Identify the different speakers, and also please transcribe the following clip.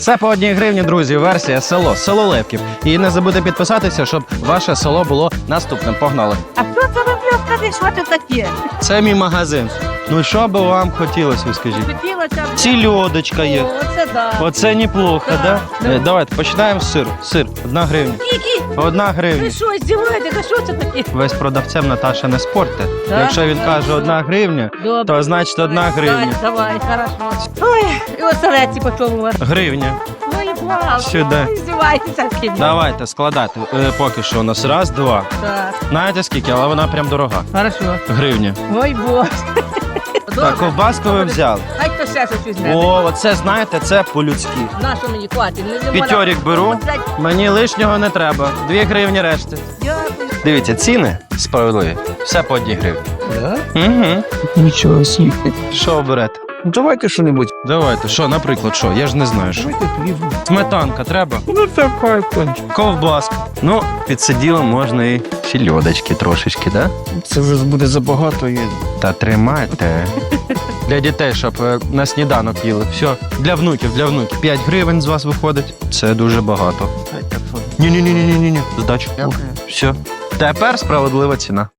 Speaker 1: Це по 1 гривні, друзі, версія село Левків. І не забудьте підписатися, щоб ваше село було наступним. Погнали.
Speaker 2: А хто це робив? Скажи, що це таке?
Speaker 1: Це мій магазин. Ну що би вам хотілося, ви скажіть?
Speaker 2: Хотілося б.
Speaker 1: Сільодочка є.
Speaker 2: О, оце да.
Speaker 1: Оце неплохо, да? Давайте починаємо з сиру. Сир, 1 гривня.
Speaker 2: Скільки?
Speaker 1: 1 гривня.
Speaker 2: Ви що, здіваєтеся? А що це таке?
Speaker 1: Ви з продавцем, Наташа, не спорте.
Speaker 2: Так?
Speaker 1: Якщо він каже 1 гривня,
Speaker 2: Добре.
Speaker 1: то значить 1 гривня.
Speaker 2: Давай, хорошо. Ой, і оселедці по чому у вас?
Speaker 1: Гривня.
Speaker 2: Ой, плавно.
Speaker 1: Сюди.
Speaker 2: Ой, здіваєтеся.
Speaker 1: Давайте складати. Поки що у нас 1, 2.
Speaker 2: Так,
Speaker 1: Знаєте скільки, але вона прям дорога.
Speaker 2: хорошо.
Speaker 1: Гривня.
Speaker 2: Ой, Боже.
Speaker 1: Так, ковбаску ви взяли.
Speaker 2: Хай хто ще щось візьме.
Speaker 1: О, оце, знаєте, це по-людськи.
Speaker 2: На що мені хватить? Не
Speaker 1: П'ятьорік беру. Мені лишнього не треба. 2 гривні решти.
Speaker 2: Дякую.
Speaker 1: Дивіться, ціни справедливі. Все по 1 гривні.
Speaker 3: Да?
Speaker 1: Угу.
Speaker 3: Нічого собі.
Speaker 1: Що оберете?
Speaker 3: Ну, давайте що-небудь.
Speaker 1: Давайте, що, наприклад, що? Я ж не знаю, що.
Speaker 3: Давайте хліб.
Speaker 1: Сметанка треба?
Speaker 3: Ну, давай, кончик.
Speaker 1: Ковбаска. Ну, під сиділом можна і сільодочки трошечки, да?
Speaker 3: Це вже буде забагато.
Speaker 1: Та тримайте. Для дітей, щоб на сніданок їли. Все, для внуків. 5 гривень з вас виходить. Це дуже багато. Ні. Здачу.
Speaker 3: Дякую.
Speaker 1: Все. Тепер справедлива ціна.